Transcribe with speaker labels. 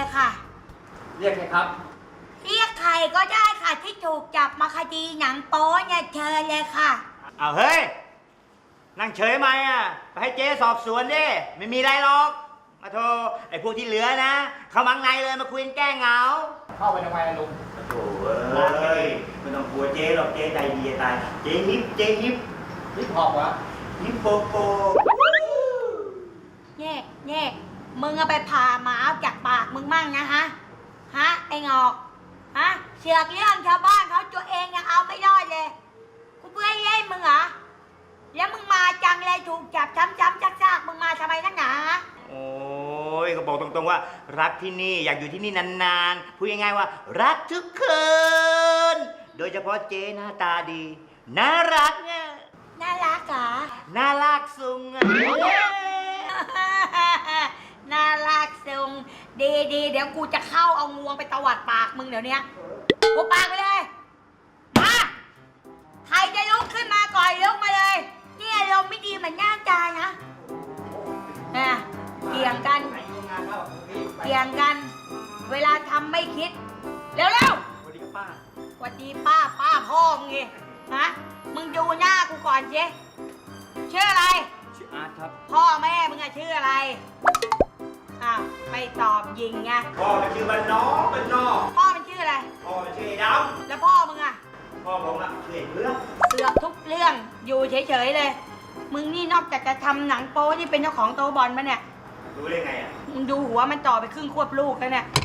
Speaker 1: เลยค่ะ
Speaker 2: เรียกใครครับ
Speaker 1: เรียกใครก็ได้ค่ะที่ถูกจับมาคดีหนังโป๊เนี่ยเชิญเลยค่ะ
Speaker 3: เอาเฮ้ยนั่งเฉยไหมอ่ะไปให้เจ๊สอบสวนดิไม่มีอะไรหรอกมาโทรไอ้พวกที่เหลือนะเข้ามังในเลยมาคุยกันแก้เหงา
Speaker 2: เข้าไปทำไมลุง
Speaker 3: โถ่เอ้ยไม่ต้องกลัวเจ๊หรอกเจ๊ใจดีตายเจ๊ฮิป
Speaker 2: ฮิปฮอปวะ
Speaker 3: ฮิปโปโป
Speaker 1: เนี่ยมึงเอาไปผ่าหมาจากปากมึงมั่งนะฮะไอ้งอกเสือกเรื่องชาวบ้านเขาตัวเองยังเอาไม่รอดเลยกูเบื่อเย้มึงเหรอแล้วมึงมาจังเลยถูกจับช้ำๆซากๆมึงมาทำไมนักหนา
Speaker 3: โอ้ยก็บอกตรงๆว่ารักที่นี่อยากอยู่ที่นี่นานๆพูดง่ายๆว่ารักทุกคืนโดยเฉพาะเจ๊หน้าตาดีน่ารักเนี่ย
Speaker 1: น่ารักเหรอ
Speaker 3: น่ารักซุง
Speaker 1: น่ารักซุงดีเดี๋ยวกูจะเข้าเอางวงไปตวัดปากมึงเดี๋ยวนี้กูปากไปเลยมาใครจะลุกขึ้นมาก่อนลุกมาเลยเนี่ยลมไม่ดีเหมือนย่างจานนะเกี่ยงกันเวลาทำไม่คิดเร็ว
Speaker 3: สวัสดีป้า
Speaker 1: สวัสดีป้าพ่อมึงไงมึงดูหน้ากูก่อนเจ๊ชื่ออะไร
Speaker 3: ชื่ออาร์ตครับ
Speaker 1: พ่อแม่มึงอะชื่ออะไรไม่ตอบยิงไง
Speaker 3: พ่อมันชื่อบ้านนอก
Speaker 1: พ่อมันชื่ออะไร
Speaker 3: พ่อมันชื่อด
Speaker 1: ำแล้วพ่อมึงอะ
Speaker 3: พ่อผมอะชื่อเรื่อง
Speaker 1: เสือกทุกเรื่องอยู่เฉยๆเลยมึงนี่นอกจากจะทำหนังโป๊ที่เป็นเจ้าของโตบอลมาเนี่ย
Speaker 3: รู้ได้ไงอะ
Speaker 1: มึงดูหัวมันต่อไปครึ่งควบลูกแล้วเนี่ย